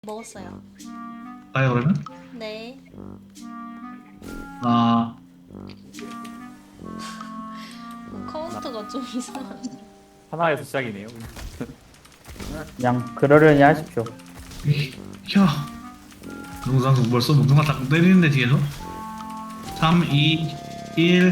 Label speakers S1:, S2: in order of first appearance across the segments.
S1: 먹었어요.
S2: 가요 그러면?
S1: 네.
S2: 아
S1: 카운트가 좀 이상한.
S3: 하나에서 시작이네요.
S4: 그냥 그러려니 하십시오.
S2: 혀 농상국 벌써 무궁화 딱 때리는데 뒤에서 3, 2, 1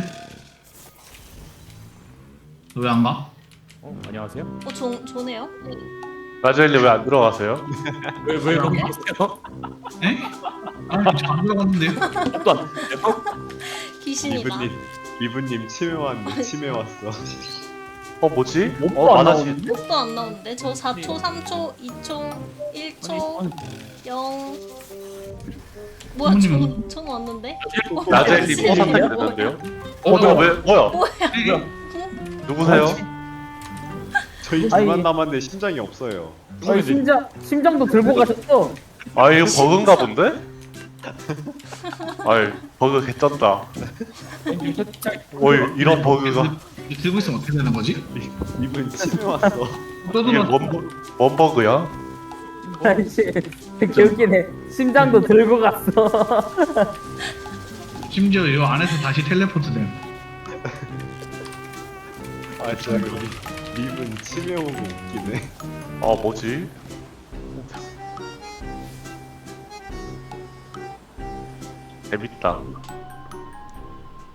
S2: 왜 안 가?
S3: 안녕하세요.
S1: 좋네요.
S5: 라젤리 왜 안 들어가세요?
S3: 왜 거기 계세요?
S2: 에? 아니 저안 들어갔는데요?
S3: 또 안-
S1: 귀신이다.
S6: 이분님 치매 왔네. 치매 왔어.
S5: 뭐지?
S4: 못
S5: 만화시
S1: 목도 안 나오는데 저 4초, 3초, 2초, 1초, 0. 뭐야?
S2: 부모님은-
S1: 전 왔는데?
S5: 라젤리
S1: 뭐야?
S5: 선택이 되는데요?
S3: 뭐야?
S5: 왜 뭐야?
S1: 뭐야?
S5: 누구세요?
S6: 저희
S4: 아니.
S6: 둘만 남았는데 심장이 없어요.
S4: 아니, 심장도 들고 가셨어.
S5: 아 이거 버그인가 본데? 아이 버그 개쩐다. 어이 이런 버그가
S2: 이거 들고 있으면 어떻게 되는 거지?
S6: 이분 치매 왔어.
S5: 이게
S2: 떠들면
S5: 뭔 버그야?
S4: 아이씨, 개웃기네. 심장도 들고 갔어.
S2: 심지어 이 안에서 다시 텔레포트 됨.
S6: 아 진짜 이분 치매 오고 웃기네.
S5: 뭐지? 재밌다.